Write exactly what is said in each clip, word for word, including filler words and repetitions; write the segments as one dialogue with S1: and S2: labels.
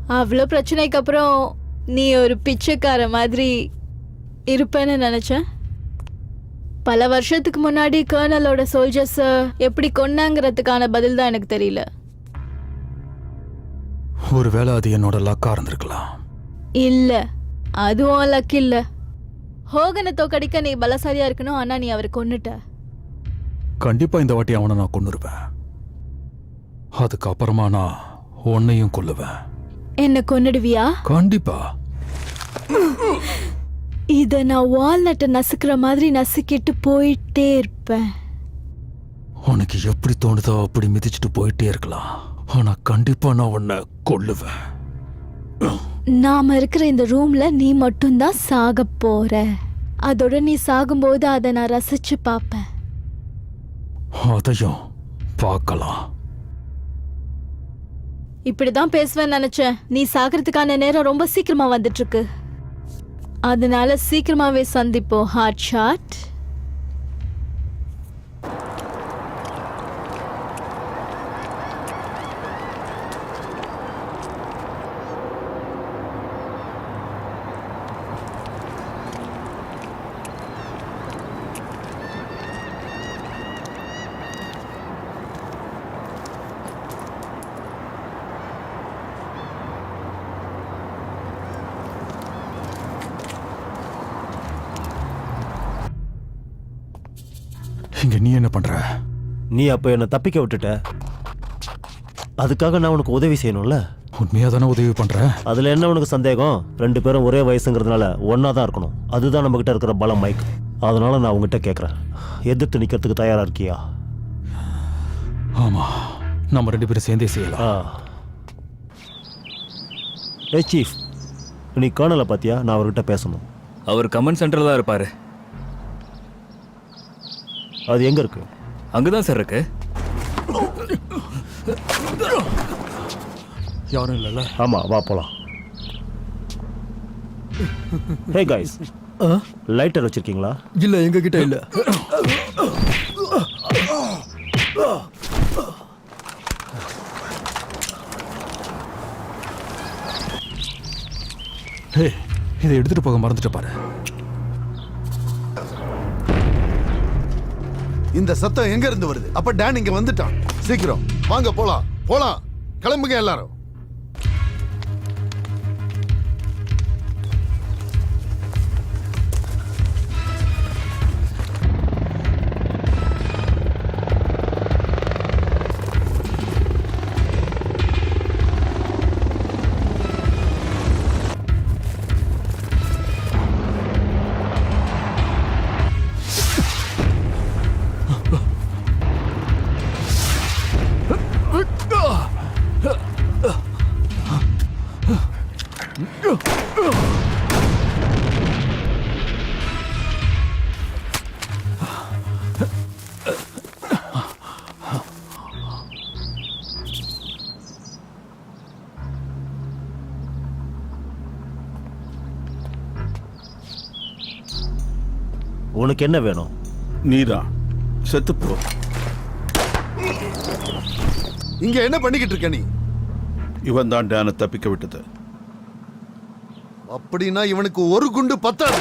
S1: அவ்வளோ பிரச்சனைக்கு அப்புறம் நீ ஒரு பிச்சைக்கார மாதிரி இருப்பேன்னு நினைச்சேன். பல வருஷத்துக்கு முன்னாடி கர்னலோட சோல்ஜர்ஸை எப்படி கொன்னாங்கிறதுக்கான பதில் தான் எனக்கு தெரியல.
S2: ஒருவேளை அது என்னோட லக்கா இருந்திருக்கலாம்.
S1: இல்ல, அதுவும் லக் இல்ல. ஹோகனை தோக்கடிக்க நீ பலசாலியா இருக்கணும், ஆனா நீ அவரை கொன்னுட்ட.
S2: கண்டிப்பா இந்த வாட்டி அவனை நான் கொன்னுருவேன். அதுக்கப்புறமா நான் உன்னையும் கொல்லுவேன்.
S1: என்ன கொன்னுடுவியா?
S2: கண்டிப்பா.
S1: இத நான் வால்நட்டை நசுக்கிற மாதிரி நசுக்கிட்டு போயிட்டே இருப்பேன்.
S2: உனக்கு எப்படி தோணுதோ அப்படி மிதிச்சுட்டு போயிட்டே இருக்கலாம். ஆனா கண்டிப்பா நான் உன்னை கொல்லுவேன்.
S1: நாம இருக்கிற இந்த ரூம்ல நீ மட்டும்தான் சாக போற. அதோட நீ சாகும்போது அதை நான் ரசிச்சு பார்ப்பேன்.
S2: அதையும் பார்க்கலாம்.
S1: இப்படிதான் பேசுவேன்னு நினைச்சேன். நீ சாகிறதுக்கான நேரம் ரொம்ப சீக்கிரமா வந்துட்டு இருக்கு. அதனால சீக்கிரமாவே சந்திப்போம் ஹார்ட் ஷாட்.
S2: இங்க நீ என்ன பண்ற?
S3: நீ அப்ப என்ன தப்பிக்க விட்டுட்ட. அதுக்காக நான் உனக்கு உதவி செய்யணும்ல.
S2: உண்மையா தானே உதவி பண்ற.
S3: அதுல என்ன உனக்கு சந்தேகம்? ரெண்டு பேரும் ஒரே வயசுங்கிறதுனால ஒன்னா தான் இருக்கணும். அதுதான் நம்ம கிட்ட இருக்கிற பலம், மைக். அதனால நான் உங்ககிட்ட கேட்கறேன், எதிர்த்து நிக்கிறதுக்கு தயாரா இருக்கியா?
S2: ஆமா, நம்ம ரெண்டு பேரும் சேர்ந்தே செய்யலாம்.
S3: ஏ சீஃப், நீ கர்னலை பாத்தியா? நான் அவர்கிட்ட பேசணும்.
S4: அவர் கமெண்ட் சென்டர்ல தான் இருப்பாரு.
S3: அது எங்க இருக்கு?
S4: அங்கதான் சார் இருக்கு.
S2: யாரும் இல்லைல்ல?
S3: ஆமா, வா போலாம். ஹே கைஸ், லைட்டர் வச்சிருக்கீங்களா?
S2: இல்ல, எங்க கிட்ட இல்ல. ஹே, இதை எடுத்துட்டு போக மறந்துட்டு பாரு.
S5: இந்த சத்தம் எங்க இருந்து வருது? அப்ப டான் இங்க வந்துட்டான். சீக்கிரம் வாங்க, போலாம் போலாம், கிளம்புங்க எல்லாரும்.
S3: உனக்கு என்ன வேணும்?
S6: நீதான் செத்துப்போ.
S5: இங்க என்ன பண்ணிக்கிட்டு இருக்க நீ?
S6: இவன் தான் டானை தப்பிக்க விட்டது.
S5: அப்படின்னா இவனுக்கு ஒரு குண்டு பத்தாது.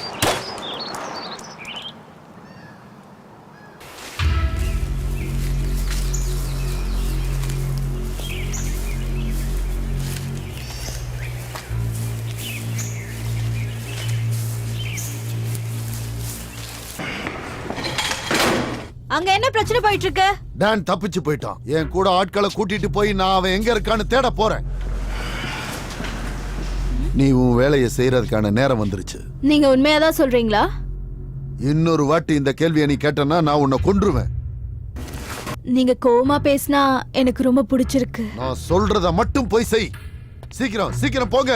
S1: அங்க என்ன பிரச்சனை போயிட்டு இருக்கு?
S5: டான் தப்பிச்சு போயிட்டான். என் கூட ஆட்களை கூட்டிட்டு போய் நான் அவன் எங்க இருக்கான்னு தேட போறேன். நீ உன் வேலையை செய்யறதுக்கான நேரம் வந்துருச்சு.
S1: நீங்க உண்மையாதான் சொல்றீங்களா?
S5: இன்னொரு வாட்டி இந்த கேள்வியை நீ கேட்டனா நான் உன்னை கொன்றுவேன்.
S1: நீங்க கோவமா பேசினா எனக்கு ரொம்ப பிடிச்சிருக்கு.
S5: நான் சொல்றத மட்டும் போய் செய். சீக்கிரம் சீக்கிரம் போங்க.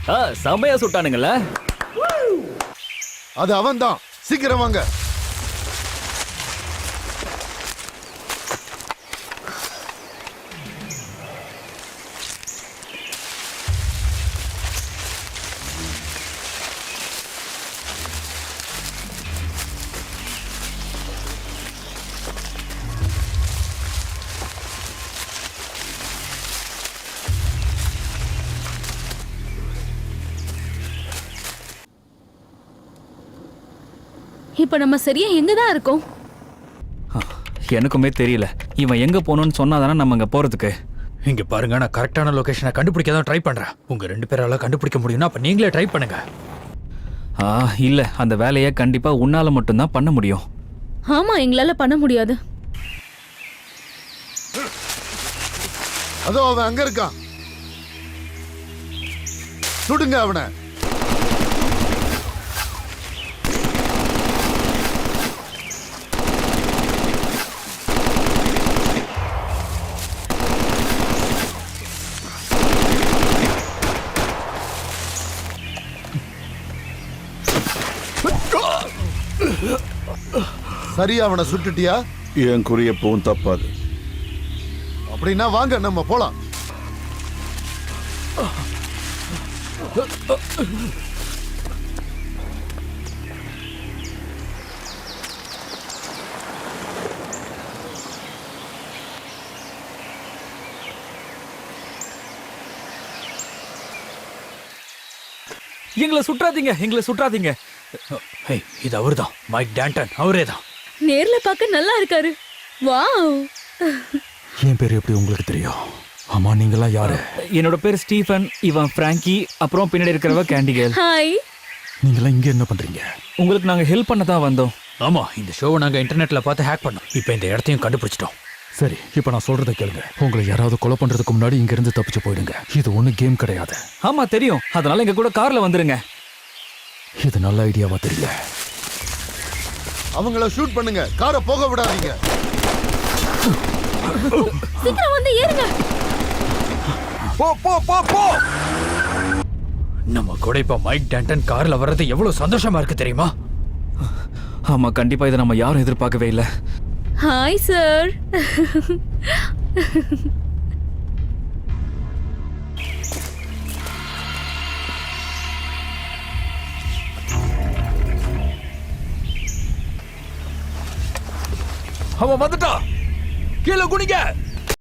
S4: ஆ செமையா சுட்டானுங்கல்ல.
S5: அது அவன்தான். சீக்கிரம் வாங்க.
S7: இப்ப நம்ம சரியா எங்க தான் இருக்கோம்?
S4: எனக்குமே தெரியல. இவன் எங்க போகணும்னு சொன்னாதானே நம்ம அங்க போறதுக்கு.
S2: இங்க பாருங்க, நான் கரெக்டான லொகேஷனை கண்டுபிடிக்க தான் ட்ரை பண்றேன். உங்க ரெண்டு பேரால கண்டுபிடிக்க முடியும்னா அப்ப நீங்களே ட்ரை பண்ணுங்க.
S4: ஆ இல்ல, அந்த வேலையை கண்டிப்பா உன்னால மட்டும்தான் பண்ண முடியும்.
S7: ஆமா, எங்களால பண்ண முடியாது.
S5: அதோ அவன் அங்க இருக்கான். சுடுங்க அவனை. சரி, அவனை சுட்டுட்டியா?
S6: என் குறி எப்பவும் தப்பாது.
S5: அப்படின்னா வாங்க நம்ம போலாம்.
S4: எங்களை சுற்றாதீங்க, எங்களை சுற்றாதீங்க.
S2: ஹே, இது அவர்தான், மைக் டான்டன். அவரே தான்.
S7: நேர்ல பார்க்க நல்லா இருக்காரு. வாவ்.
S2: என் பேர் எப்படி உங்களுக்கு தெரியும்? ஆமா, நீங்களா யாரு?
S4: என்னோட பேர் ஸ்டீஃபன், இவன் பிராங்கி, அப்புறம் பின்னாடி இருக்கிறவ கேண்டிகேல்.
S7: ஹாய்.
S2: நீங்களா இங்க என்ன பண்றீங்க?
S4: உங்களுக்கு நாங்க ஹெல்ப் பண்ண தான் வந்தோம்.
S2: ஆமா, இந்த ஷோவை நாங்க இன்டர்நெட்ல பார்த்து ஹேக் பண்ணோம். இப்போ இந்த இடத்தையும் கண்டுபிடிச்சிட்டோம். சரி, இப்போ நான் சொல்றதை கேளுங்க. உங்களை யாராவது கொலை பண்றதுக்கு முன்னாடி இங்க இருந்து தப்பிச்சு போயிடுங்க. இது ஒண்ணு கேம் கிடையாது.
S4: ஆமா தெரியும், அதனால எங்க கூட கார்ல வந்துருங்க.
S2: இது நல்ல ஐடியாவா தெரியல.
S5: அவங்கள ஷூட் பண்ணுங்க, காரை போக விடாதீங்க.
S7: சீக்கிரம் வந்து ஏறுங்க.
S2: போ போ போ போ. நம்ம கூட இப்ப மைக் டான்டன் கார்ல வர்றது எவ்வளவு சந்தோஷமா இருக்கு தெரியுமா?
S4: ஆமா, கண்டிப்பா இதை நம்ம யாரும் எதிர்பார்க்கவே இல்லை.
S7: Hi sir.
S2: அவன் வந்துட்டா. கீழே குனிங்க.